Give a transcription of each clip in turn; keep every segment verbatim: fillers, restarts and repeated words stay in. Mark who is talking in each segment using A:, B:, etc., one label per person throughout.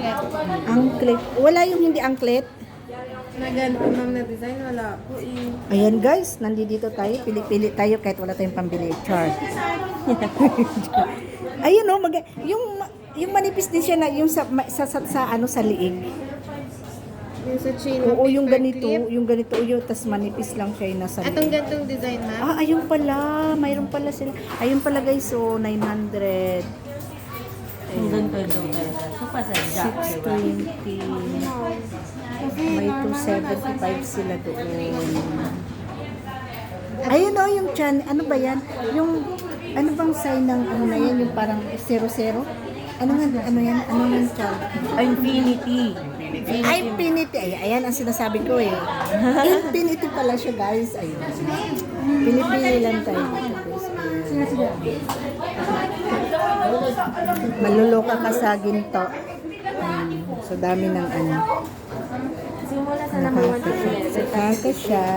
A: Angklet.
B: Angklet. Wala yung hindi angklet.
A: Na ganito ma'am na design, wala po eh.
B: Ayan guys, nandito tayo. Pili-pili tayo kahit wala tayong pambili. Char. Ayun oh, mag yung yung manipis din siya na yung sa sa, sa, sa ano sa liig.
A: Yung sa chain.
B: Oo, yung ganito, yung ganito yung tas manipis lang siya yung nasa
A: Atong
B: liig.
A: gantong design ma'am.
B: Ah, ayun pala. Mayroon pala sila. Ayun pala guys, so nine hundred.
C: Ang ganda daw talaga. So, pa sa Jack,
B: six
C: diba?
B: twenty. May two seventy-five sila doon. Ayun oh, yung chan, ano ba yan? Yung, ano bang sign ng, ano na yan, yung parang zero zero? Ano nga, ano yan? Ano yung chan?
C: Infinity.
B: Ay, infinity. Ay, ayan ang sinasabi ko eh. Infinity pala siya guys. Ayun. Pinipili lang tayo dito guys. Ayan. Maluloka ka sa ginto. Ayan. So, dami ng ano.
A: Simula sa number one to
B: Nakaka siya.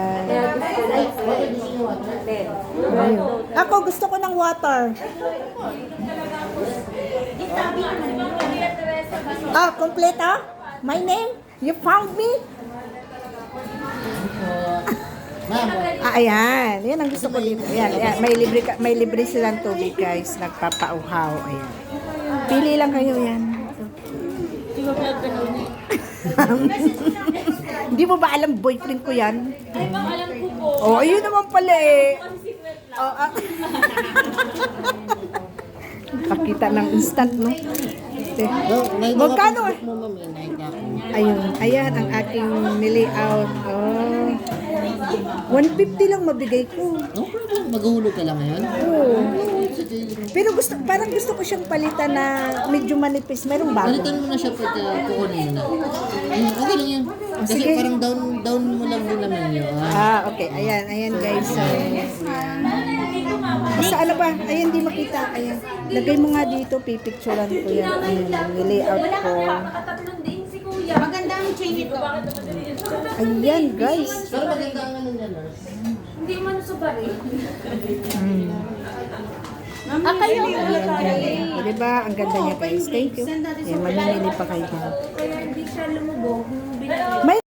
B: Ayun. Ako, gusto ko ng water. Ah, complete ah? My name? You found me? Ah, ayan. Yan ang gusto ko dito. Ayan, ayan. May libre, ka, may libre silang tubig, guys. Nagpapauhaw. Ayan. Pili lang kayo yan. Hindi mo ba alam boyfriend ko yan?
D: Ay, bang alam ko po.
B: Oh, ayun naman pala eh. Oh, ah. Pakita ng instant, no? Magkano eh? Ayun, ayan ang aking nilayout. Oh. one fifty lang mabigay ko.
E: No problem. Maghulog ka lang ngayon.
B: Oo. Pero gusto, parang gusto ko siyang palitan na medyo manipis. Merong bago.
E: Palitan mo na siya pag uh, kukunin na. Ayun, okay lang yan. Kasi
B: sige.
E: parang down down mo lang din naman yun. Ah.
B: Ah, okay. Ayan, ayan guys. So, ayan. Basta ano ba? Ayan, di makita. Ayan. Lagay mo nga dito. Pipicturean ko yan. Ayan, nilayout ko.
D: Nakatatlong din si kuya.
A: Maganda ang chain ito.
B: Ayan, guys.
E: Pero maganda ang ano niya, nurse.
D: Hindi man sa bari.
B: Hmm.
D: Ah, kayo.
B: O, diba? Ang ganda niya guys. Thank you. Ayan, mamimili pa kayo.
D: Kaya hindi siya lumubog. Nung binili.
B: May